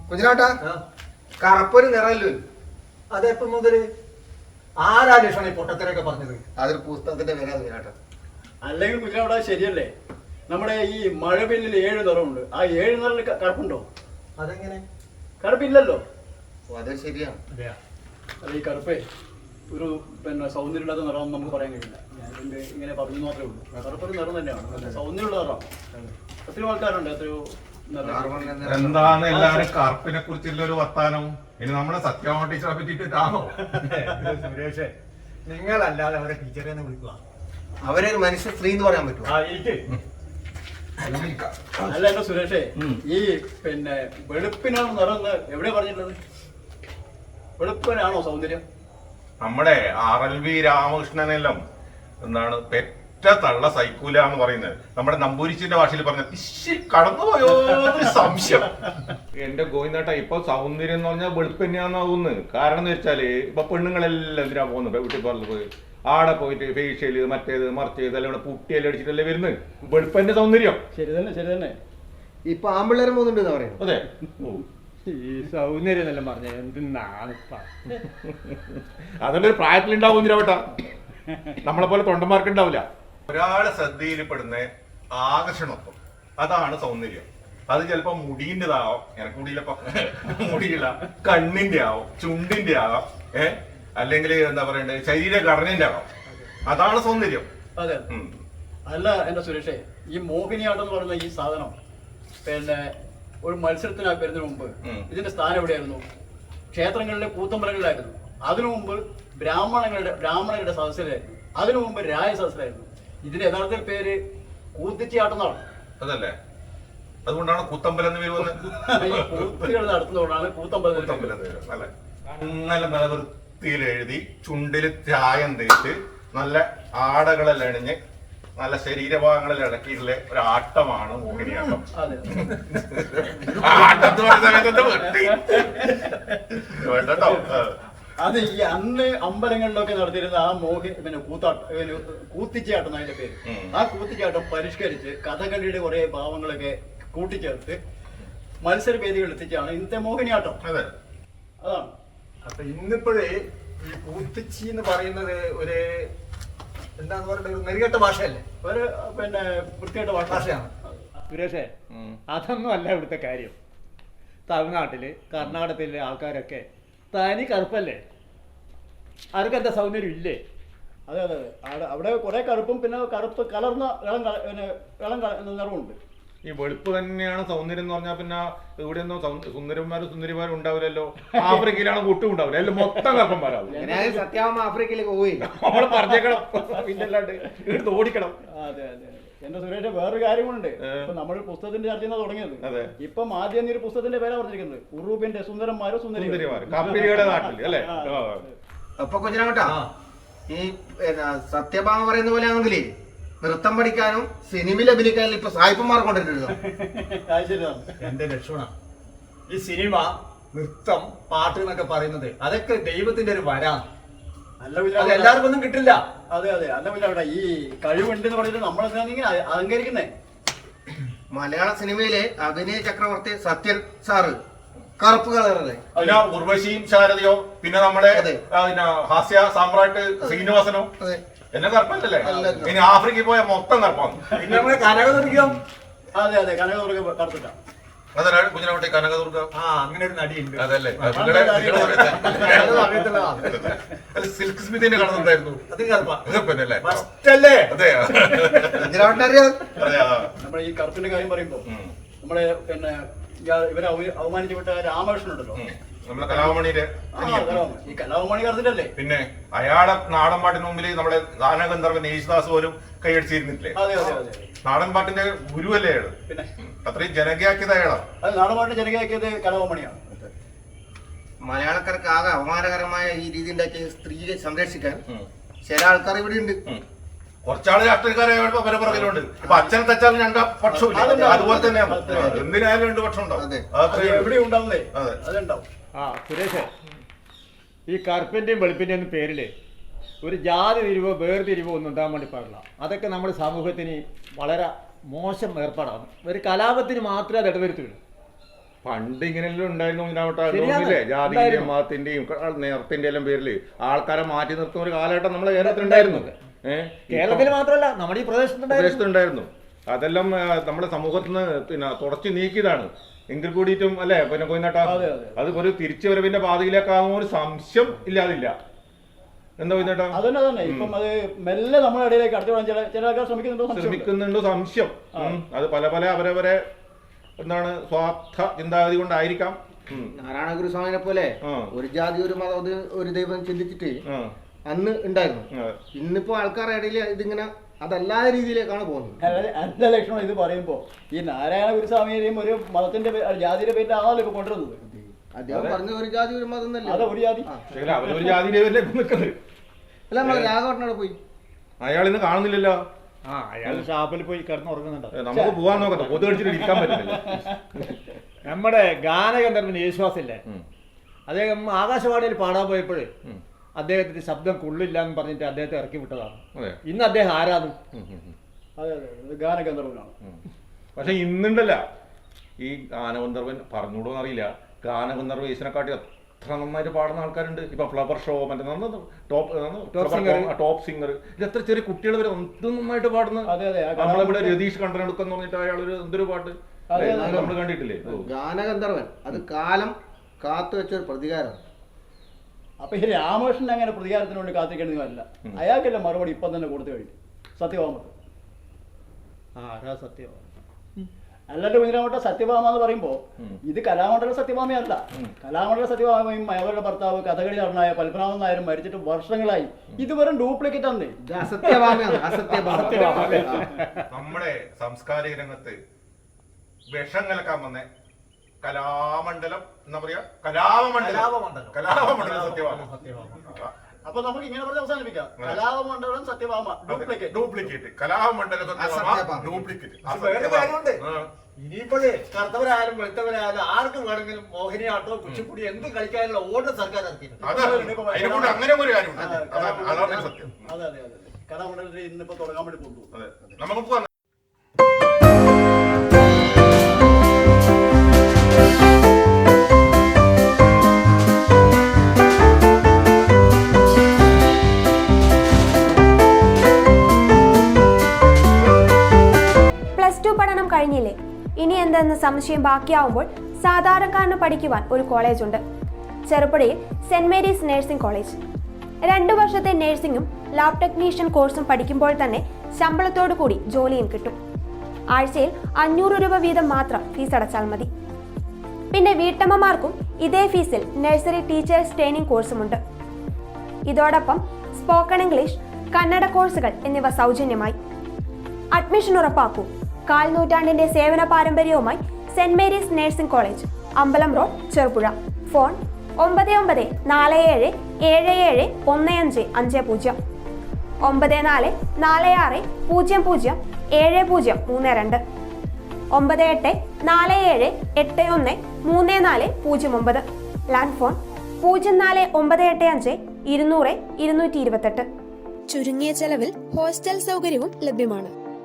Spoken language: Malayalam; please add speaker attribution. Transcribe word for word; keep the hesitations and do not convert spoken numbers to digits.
Speaker 1: കുഞ്ഞിനാട്ടാ കറുപ്പൊരു നിറല്ലോ.
Speaker 2: അതെപ്പം മുതല് ആരാ ലക്ഷണം ഈ പൊട്ടത്തരൊക്കെ പറഞ്ഞത്?
Speaker 1: അതൊരു പുസ്തകത്തിന്റെ പേരാ കുഞ്ഞിനാട്ടാ.
Speaker 3: അല്ലെങ്കിൽ കുഞ്ഞിനവിടെ ശരിയല്ലേ? നമ്മുടെ ഈ മഴവില്ലിൽ ഏഴ് നിറമുണ്ട്. ആ ഏഴ് നിറയിൽ കറുപ്പുണ്ടോ?
Speaker 2: അതെങ്ങനെ?
Speaker 3: കറുപ്പില്ലല്ലോ.
Speaker 1: അത് ശരിയാണ്.
Speaker 3: അല്ല ഈ കറുപ്പേ ഒരു പിന്നെ സൗന്ദര്യമില്ലാത്ത നിറം നമുക്ക് പറയാൻ കഴിയില്ല. ഞാൻ ഇതിന്റെ ഇങ്ങനെ പറഞ്ഞു മാത്രമേ ഉള്ളൂ. കറുപ്പൊരു നിറം തന്നെയാണ്, സൗന്ദര്യമുള്ള നിറം. എത്രയോ ആൾക്കാരുണ്ട്, എത്രയോ
Speaker 4: എന്താണ് എല്ലാവരും കറുപ്പിനെ കുറിച്ചുള്ള ഒരു വർത്താനം? ഇനി നമ്മളെ സത്യഭാമ ടീച്ചറെ പറ്റിട്ടാണോ?
Speaker 2: സുരേഷേ, നിങ്ങളല്ലാതെ അവരെ ടീച്ചറെ വിളിക്കുക.
Speaker 1: അവരൊരു മനുഷ്യ സ്ത്രീ എന്ന് പറയാൻ പറ്റുമോ?
Speaker 3: അല്ല എന്റെ സുരേഷേ, ഈ പിന്നെ വെളുപ്പിനാണ് നിറം എവിടെ പറഞ്ഞിട്ടുള്ളത്? വെളുപ്പിനാണോ സൗന്ദര്യം?
Speaker 4: നമ്മുടെ ആർ എൽ വി രാമകൃഷ്ണനെല്ലാം എന്താണ് പെറ്റ തള്ള സൈക്കൂല എന്ന് പറയുന്നത്. നമ്മുടെ നമ്പൂരിച്ചിന്റെ ഭാഷയിൽ പറഞ്ഞ കടന്നുപോയോ സംശയം. എന്റെ ഗോവിന്ദേട്ടാ, ഇപ്പൊ സൗന്ദര്യം എന്ന് പറഞ്ഞാൽ വെളുപ്പ് തന്നെയാന്നാവുന്നത്. കാരണം എന്ന് വെച്ചാല് ഇപ്പൊ പെണ്ണുങ്ങളെല്ലാം എന്തിനാ പോകുന്നത്? വീട്ടിൽ പറഞ്ഞു പോയി ആടെ പോയിട്ട് ഫേഷ്യല് മറ്റേത് മറിച്ചത് എല്ലാം ഇവിടെ പുട്ടിയെല്ലാം അടിച്ചിട്ടല്ലേ വരുന്നത്. വെളുപ്പന്റെ സൗന്ദര്യം.
Speaker 3: ശരി തന്നെ, ശരി തന്നെ.
Speaker 1: ഇപ്പൊ ആമ്പിള്ളേരെ പോകുന്നുണ്ട് പറയുന്നത്.
Speaker 4: അതെ,
Speaker 5: ഈ സൗന്ദര്യം എന്നെല്ലാം പറഞ്ഞ എന്തിനാണ്
Speaker 4: അതുകൊണ്ട് ഒരു പ്രായത്തിലുണ്ടാവും ചേട്ടാ, നമ്മളെ പോലെ തൊണ്ടന്മാർക്ക് ഉണ്ടാവില്ല. ഒരാളെ ശ്രദ്ധയിൽപ്പെടുന്ന ആകർഷണത്വം, അതാണ് സൗന്ദര്യം. അത് ചിലപ്പോ മുടിന്റെതാവാം, എനക്ക് മുടിയിലപ്പോ മുടിയില്ല, കണ്ണിന്റെ ആവും, ചുണ്ടിന്റെ ആവാം, ഏഹ് അല്ലെങ്കിൽ എന്താ പറയണ്ടേ ശരീരഘടനന്റെ ആവാം. അതാണ് സൗന്ദര്യം.
Speaker 3: അതെ. അല്ല എന്റെ സുരേഷേ, ഈ മോഹിനിയാട്ടം എന്ന് പറയുന്ന ഈ സാധനം പിന്നെ ഒരു മത്സരത്തിനായി വരുന്നതിന് മുമ്പ് ഇതിന്റെ സ്ഥാനം എവിടെയായിരുന്നു? ക്ഷേത്രങ്ങളിലെ കൂത്തമ്പലങ്ങളിലായിരുന്നു. അതിനു മുമ്പ് ബ്രാഹ്മണങ്ങളുടെ ബ്രാഹ്മണരുടെ സദസ്സിലായിരുന്നു. അതിനു മുമ്പ് രായ സദസ്സിലായിരുന്നു. ഇതിന്റെ യഥാർത്ഥ പേര് കൂത്തിച്ചാട്ടം എന്നാണ്.
Speaker 4: അതല്ലേ? അതുകൊണ്ടാണ് കൂത്തമ്പലം എന്ന് വരുന്നത്.
Speaker 3: ഈ കൂത്തുകൾ നടത്തുന്നതുകൊണ്ടാണ് കൂത്തമ്പലം.
Speaker 4: അല്ലെ? നല്ല നിലവൃത്തിയിൽ എഴുതി ചുണ്ടില് ചായം തേച്ച് നല്ല ആടകളെല്ലാം അണിഞ്ഞ് നല്ല ശരീരഭാഗങ്ങളിൽ ഇടക്കിയിട്ടുള്ള ഒരു ആട്ടമാണ് മോഹിനിയാട്ടം.
Speaker 3: അത് ഈ അന്ന് അമ്പലങ്ങളിലൊക്കെ നടത്തിയിരുന്ന ആ മോഹി പിന്നെ കൂത്താട്ടം കൂത്തിച്ചാട്ടം അതിന്റെ പേര്. ആ കൂത്തിച്ചാട്ടം പരിഷ്കരിച്ച് കഥകളിയുടെ കുറെ ഭാവങ്ങളൊക്കെ കൂട്ടിച്ചേർത്ത് മത്സര വേദികളിൽ എത്തിച്ചാണ് ഇന്നത്തെ മോഹിനിയാട്ടം.
Speaker 4: അതെ,
Speaker 3: അതാണ്.
Speaker 2: അപ്പൊ ഇന്നിപ്പോഴേ ഈ കൂത്തിച്ചി എന്ന് പറയുന്നത് ഒരു എന്താന്ന് പറയുന്നത് ഒരു നെറികെട്ട ഭാഷയല്ലേ?
Speaker 3: ഒരു പിന്നെ വൃത്തികെട്ട
Speaker 2: ഭാഷയാണ്.
Speaker 5: സുരേഷേ, അതൊന്നും അല്ല ഇവിടുത്തെ കാര്യം. തമിഴ്നാട്ടില് കർണാടകത്തിലെ ആൾക്കാരൊക്കെ തനി കറുപ്പല്ലേ? അവർക്ക് എന്താ സൗന്ദര്യം ഇല്ലേ?
Speaker 3: അതെ അതെ അതെ. അവിടെ കുറെ കറുപ്പും പിന്നെ കറുപ്പ് കലർന്ന ഇളം പിന്നെ ഇളം നിറവുണ്ട്.
Speaker 4: ഈ വെളുപ്പ് തന്നെയാണ് സൗന്ദര്യം എന്ന് പറഞ്ഞാൽ പിന്നെ ഇവിടെ ഒന്നും സുന്ദരന്മാരും സുന്ദരിമാരും ഉണ്ടാവില്ലല്ലോ. ആഫ്രിക്കയിലാണ് ഒട്ടും ഉണ്ടാവില്ല, എല്ലാം മൊത്തം കറുപ്പന്മാരാവും.
Speaker 1: സത്യാവമ്മ ആഫ്രിക്കയിലേക്ക് പോയില്ല,
Speaker 4: നമ്മള് പറഞ്ഞേക്കണം, പിന്നല്ലാണ്ട് ഇവിടുത്തെ ഓടിക്കണം.
Speaker 3: അതെ അതെ. എന്റെ സുരേഷ് വേറൊരു കാര്യമുണ്ട്. ഇപ്പൊ നമ്മൾ പുസ്തകത്തിന്റെ ചർച്ച ചെയ്യുന്ന തുടങ്ങിയത്. ഇപ്പം ആദ്യം ഒരു പുസ്തകത്തിന്റെ പേരാ പറഞ്ഞിരിക്കുന്നത് ഉറൂബിന്റെ സുന്ദരന്മാരോ സുന്ദരിമാരോ
Speaker 4: കമ്പനിയുടെ നാട്ടിൽ അല്ലേ?
Speaker 1: അപ്പൊ കുഞ്ഞിനാട്ടാ, ഈ സത്യഭാമ പറയുന്ന പോലെ ആണെങ്കിലേ നൃത്തം പഠിക്കാനും സിനിമയിൽ അഭിനയിക്കാനും ഇപ്പൊ സായിപ്പന്മാർ കൊണ്ടിട്ടുണ്ടോ?
Speaker 2: എന്റെ ലക്ഷണം ഈ സിനിമ, നൃത്തം, പാട്ട് എന്നൊക്കെ പറയുന്നത് അതൊക്കെ ദൈവത്തിന്റെ ഒരു വരാണ്. അത് എല്ലാവർക്കും ഒന്നും കിട്ടില്ല.
Speaker 3: അതെ അതെ. അല്ല പിന്നെ അവിടെ ഈ കഴിവുണ്ട് എന്ന് പറഞ്ഞിട്ട് നമ്മളെന്താ അലങ്കരിക്കുന്നേ?
Speaker 1: മലയാള സിനിമയിലെ അഭിനയ ചക്രവർത്തി സത്യൻ സാറ് കറുപ്പ് കളറല്ലേ?
Speaker 4: പിന്നെ ഉർവശിയും ശാരദയോ, പിന്നെ നമ്മുടെ ഹാസ്യ സാമ്രാട്ട് ശ്രീനിവാസനോ എല്ലാം കറുപ്പല്ലേ? ഇനി ആഫ്രിക്കയിൽ പോയ മൊത്തം കറുപ്പാണ്.
Speaker 2: പിന്നെ നമ്മള് കനകദുർഗം.
Speaker 3: അതെ അതെ, കനകദുർഗ കറുപ്പിട്ട.
Speaker 4: അതാണ് കുഞ്ഞിനാട്ടെ കനകദുർഗ.
Speaker 2: ആ, അങ്ങനെ ഒരു നടിയുണ്ട്.
Speaker 4: അതല്ലേ? സിൽക്ക് സ്മിതിന്റെ കടന്നുണ്ടായിരുന്നു.
Speaker 2: അത് കറുപ്പാ.
Speaker 4: കറുപ്പല്ലേ?
Speaker 2: അതെ.
Speaker 3: നമ്മുടെ ഈ കറുപ്പിന്റെ കാര്യം പറയുമ്പോ നമ്മളെ പിന്നെ ഇവരെ അവമാനിച്ചു വിട്ട രാമകൃഷ്ണൻ ഉണ്ടല്ലോ,
Speaker 4: നമ്മളെ കലാമണിയുടെ
Speaker 3: ഈ കലാമണി കറുത്തിട്ടല്ലേ?
Speaker 4: പിന്നെ അയാളെ നാടൻ പാട്ടിന് മുമ്പിൽ നമ്മുടെ ഗാനഗന്ധർവൻ യേശുദാസ് പോലും കൈയടിച്ചിരുന്നില്ലേ?
Speaker 3: അതെ അതെ അതെ.
Speaker 4: നാടൻ പാട്ടിന്റെ ഗുരുവല്ലേ അയാള്? പിന്നെ അത്രയും ജനകീയാക്കിയത് അയാളാണ്.
Speaker 3: അത് നാടൻ പാട്ടിന് ജനകീയാക്കിയത് കലാമണിയാണ്.
Speaker 1: മലയാളക്കാർക്ക് ആകെ അപമാനകരമായ ഈ രീതി ഉണ്ടാക്കിയ സ്ത്രീയെ സംരക്ഷിക്കാൻ ചില ആൾക്കാർ ഇവിടെ ഉണ്ട്.
Speaker 4: കുറച്ചാള് രാഷ്ട്രീയക്കാരായപ്പോ പല പുറകിലുണ്ട്. ഇപ്പൊ അച്ഛനെ തച്ചാലും രണ്ടാ പക്ഷം അതുപോലെ തന്നെയാണ്. എന്തിനായാലും രണ്ട് പക്ഷം ഉണ്ടാവും.
Speaker 3: എവിടെ ഉണ്ടാവുന്നേ? അതുണ്ടാവും.
Speaker 5: ആ സുരേഷ്, ഈ കറുപ്പിന്റെയും വെളുപ്പിന്റെയും ഒന്നും പേരില് ഒരു ജാതി തിരിവോ വേർതിരിവോ ഒന്നും ഉണ്ടാകാൻ വേണ്ടി പാടില്ല. അതൊക്കെ നമ്മുടെ സമൂഹത്തിന് വളരെ മോശം ഏർപ്പാടാണ്. ഒരു കലാപത്തിന് മാത്രമേ അത് ഇടവരുത്തുള്ളൂ.
Speaker 4: പണ്ട് ഇങ്ങനെയെല്ലാം ഉണ്ടായിരുന്നു ഇതിനാവട്ടെ
Speaker 5: ശരിയാണ്.
Speaker 4: ജാതിന്റെയും
Speaker 5: ഉണ്ടായിരുന്നു.
Speaker 4: മതത്തിന്റെയും നിറത്തിന്റെ എല്ലാം പേരില് ആൾക്കാരെ മാറ്റി നിർത്തുന്ന ഒരു കാലഘട്ടം നമ്മളെ കേരളത്തിൽ ഉണ്ടായിരുന്നു. ഏഹ്
Speaker 5: കേരളത്തിൽ മാത്രമല്ല നമ്മുടെ ഈ പ്രദേശത്തുണ്ടായിരുന്നു.
Speaker 4: പ്രദേശത്തുണ്ടായിരുന്നു. അതെല്ലാം ആ, നമ്മുടെ സമൂഹത്തിൽ നിന്ന് പിന്നെ തുടച്ചു നീക്കിയതാണ്. എങ്കിൽ കൂടിയിട്ടും അല്ലേ പിന്നെ കൊയിനാട്ട
Speaker 3: അതെ, അതെ.
Speaker 4: അത് ഒരു തിരിച്ചുവരവിന്റെ പാതയിലേക്കാകുന്ന ഒരു സംശയം ഇല്ലാതില്ല. എന്താ കൊയിനാട്ട
Speaker 3: അതന്നെ അതന്നെ ഇപ്പം അത് മെല്ലെ നമ്മുടെ ഇടയിലേക്ക് അടുത്ത് വിടാൻ ചില ചില ആൾക്കാർ ശ്രമിക്കുന്നുണ്ടോ സംശയമുണ്ട്.
Speaker 4: ശ്രമിക്കുന്നുണ്ടോ സംശയം. ഉം. അത് പല പല അവരവരെ എന്താണ് സ്വാർത്ഥ ചിന്താഗതി കൊണ്ടായിരിക്കാം. ഉം.
Speaker 1: നാരായണ ഗുരുസ്വാമിനെ പോലെ
Speaker 4: ആ.
Speaker 1: ഒരു ജാതി ഒരു മതം അത് ഒരു ദൈവം ചിന്തിച്ചിട്ട്
Speaker 4: ആ.
Speaker 1: അന്ന് ഉണ്ടായിരുന്നു.
Speaker 4: ആ.
Speaker 1: ഇന്നിപ്പോ ആൾക്കാരുടെ ഇടയിൽ ഇതിങ്ങനെ അതല്ലാത്ത രീതിയിലേക്കാണ് പോകുന്നത്.
Speaker 3: അതായത് എന്റെ ലക്ഷണം ഇത് പറയുമ്പോ ഈ നാരായണ ഗുരുസ്വാമിയെയും ഒരു മതത്തിന്റെ പേ- ജാതിയുടെ പേരിലാണല്ലോ ഇപ്പൊ കൊണ്ടുവരുന്നത്.
Speaker 1: അദ്ദേഹം പറഞ്ഞ ഒരു ജാതി ഒരു മതം
Speaker 3: അതെ
Speaker 1: എന്നല്ലേ.
Speaker 3: ഒരു ജാതി.
Speaker 4: പക്ഷേ അവരൊരു ജാതിയിലെ നിൽക്കുന്നത്.
Speaker 1: അല്ല നമ്മളെ രാഘവട്ടനോട് പോയി
Speaker 4: അയാൾ ഇന്ന് കാണുന്നില്ലല്ലോ.
Speaker 5: ആ അയാൾ ഷാപ്പിൽ പോയി കിടന്ന് ഉറങ്ങുന്നുണ്ടോ.
Speaker 4: ഏ, നമുക്ക് പോവാൻ നോക്കട്ടെ. കൊതു കടിച്ചിട്ട് ഇരിക്കാൻ പറ്റുന്നില്ല.
Speaker 5: നമ്മുടെ ഗാനഗന്ധർവൻ യേശുദാസില്ലേ,
Speaker 4: ഉം.
Speaker 5: അദ്ദേഹം ആകാശവാണിയിൽ പാടാൻ പോയപ്പോഴേ
Speaker 4: ഉം.
Speaker 5: അദ്ദേഹത്തിന്റെ ശബ്ദം കൊള്ളില്ല എന്ന് പറഞ്ഞിട്ട് അദ്ദേഹത്തെ ഇറക്കി വിട്ടതാണ്.
Speaker 4: അതെ.
Speaker 5: ഇന്ന് അദ്ദേഹം ആരാണ്?
Speaker 4: ഉം, ഉം, ഉം.
Speaker 3: അതെ അതെ ഇത് ഗാനഗന്ധർവനാണ്.
Speaker 4: ഉം. പക്ഷെ ഇന്നുണ്ടല്ല ഈ ഗാനഗന്ധർവൻ പറഞ്ഞുകൂടോന്ന് അറിയില്ല. ഗാനഗന്ധർവ യേശുനെക്കാട്ടി എത്ര നന്നായിട്ട് പാടുന്ന ആൾക്കാരുണ്ട്. ഇപ്പൊ ഫ്ലവർ ഷോ മറ്റേ top
Speaker 5: Top singer.
Speaker 4: Top singer ഇത് എത്ര ചെറിയ കുട്ടികൾ വരെ എന്ത് നന്നായിട്ട് പാടുന്നു.
Speaker 3: അതെ അതെ ആ
Speaker 4: നമ്മളിവിടെ രതീഷ് കണ്ടനെടുക്കെന്ന് പറഞ്ഞിട്ട് അയാളൊരു എന്തൊരു പാട്ട്
Speaker 3: അതെ, അതെ.
Speaker 4: നമ്മൾ കണ്ടിട്ടില്ലേ? ഓ.
Speaker 1: ഗാനഗന്ധർവൻ അത് കാലം കാത്തു വെച്ച ഒരു പ്രതികാരമാണ്.
Speaker 3: അപ്പൊ ഈ രാമകൃഷ്ണൻ അങ്ങനെ പ്രതികാരത്തിന് വേണ്ടി കാത്തിരിക്കേണ്ടതല്ല. അയാൾക്കല്ല മറുപടി ഇപ്പം തന്നെ കൊടുത്തു കഴിഞ്ഞു സത്യഭാമക്ക്.
Speaker 5: ആ ആരാ സത്യം?
Speaker 3: അല്ലാണ്ട് കുഞ്ഞിരാമട്ട സത്യഭാമ എന്ന് പറയുമ്പോ
Speaker 4: ഉം.
Speaker 3: ഇത് കലാമണ്ഡല സത്യഭാമയല്ല.
Speaker 4: ഉം.
Speaker 3: കലാമണ്ഡല സത്യഭാമയും അവരുടെ ഭർത്താവ് കഥകളി നടനായ പത്മനാഭൻ നായരും മരിച്ചിട്ട് വർഷങ്ങളായി. ഇത് വെറും ഡ്യൂപ്ലിക്കേറ്റ് ആണ്.
Speaker 1: ഇത് അസത്യഭാമയാണ്. അസത്യഭാമ.
Speaker 4: നമ്മുടെ സാംസ്കാരിക രംഗത്ത് വിഷം കലക്കാൻ വന്ന കലാമണ്ഡലം എന്താ പറയാ കലാമണ്ഡലം
Speaker 2: കലാപമണ്ഡലം.
Speaker 4: കലാമണ്ഡലം സത്യമാണ്.
Speaker 3: അപ്പൊ നമുക്ക് ഇങ്ങനെ പറഞ്ഞ് അവസാനിപ്പിക്കാം. Kalamandalam Sathyabhama duplicate.
Speaker 4: Duplicate Kalamandalam
Speaker 1: Asathyabhama.
Speaker 4: Duplicate
Speaker 2: വേറെ കാര്യമുണ്ട്. ഇനിയിപ്പോഴേ കറുത്തവരായാലും വെളുത്തവരായാലും ആർക്കും വേണമെങ്കിലും മോഹിനിയാട്ടോ കുച്ചിപ്പുടി എന്ത് കളിക്കാനുള്ള ഓർഡർ സർക്കാർ ഇറക്കിയിട്ടുണ്ട്.
Speaker 4: അതിനെക്കൊണ്ട് അങ്ങനെ ഒരു കാര്യമുണ്ട്. അതാണ് അതാണ് സത്യം.
Speaker 3: അതെ അതെ അതെ കലാമണ്ഡലത്തിൽ ഇന്നിപ്പോ തുടങ്ങാൻ വേണ്ടി കൊണ്ടുപോകും.
Speaker 4: അതെ നമുക്ക് പോവാം.
Speaker 6: പ്ലസ് ടു പഠനം കഴിഞ്ഞില്ലേ, ഇനി എന്തെന്ന് സംശയം ബാക്കിയാവുമ്പോൾ സാധാരണക്കാരന് പഠിക്കുവാൻ ഒരു കോളേജുണ്ട്. ചെറുപുഴയിൽ സെന്റ് മേരീസ് നഴ്സിംഗ് കോളേജ്. രണ്ടു വർഷത്തെ നഴ്സിംഗും ലാബ് ടെക്നീഷ്യൻ കോഴ്സും പഠിക്കുമ്പോൾ തന്നെ ശമ്പളത്തോടു കൂടി ജോലിയും കിട്ടും. ആഴ്ചയിൽ അഞ്ഞൂറ് രൂപ വീതം മാത്രം ഫീസ് അടച്ചാൽ മതി. പിന്നെ വീട്ടമ്മമാർക്കും ഇതേ ഫീസിൽ നഴ്സറി ടീച്ചേഴ്സ് ട്രെയിനിങ് കോഴ്സുമുണ്ട്. ഇതോടൊപ്പം സ്പോക്കൺ ഇംഗ്ലീഷ്, കന്നഡ കോഴ്സുകൾ എന്നിവ സൗജന്യമായി. അഡ്മിഷൻ ഉറപ്പാക്കൂ. കാൽ നൂറ്റാണ്ടിന്റെ സേവന പാരമ്പര്യവുമായി സെന്റ് മേരീസ് നഴ്സിംഗ് കോളേജ്, അമ്പലം റോഡ്, ചെറുപുഴ. ഫോൺ ഒമ്പത് ഒമ്പത് നാല് ഏഴ് ഏഴ് ഏഴ് ഒന്ന് അഞ്ച് അഞ്ച് പൂജ്യം, ഒമ്പത് നാല് നാല് ആറ് പൂജ്യം പൂജ്യം ഏഴ് പൂജ്യം മൂന്ന് രണ്ട്, ഒമ്പത് എട്ട് നാല് ഏഴ് എട്ട് ഒന്ന് മൂന്ന് നാല് പൂജ്യം ഒമ്പത്. ലാൻഡ് ഫോൺ പൂജ്യം നാല് ഒമ്പത് എട്ട് അഞ്ച് ഇരുന്നൂറ് ഇരുന്നൂറ്റി ഇരുപത്തെട്ട്. ചുരുങ്ങിയ ചെലവിൽ ഹോസ്റ്റൽ സൗകര്യവും ലഭ്യമാണ്.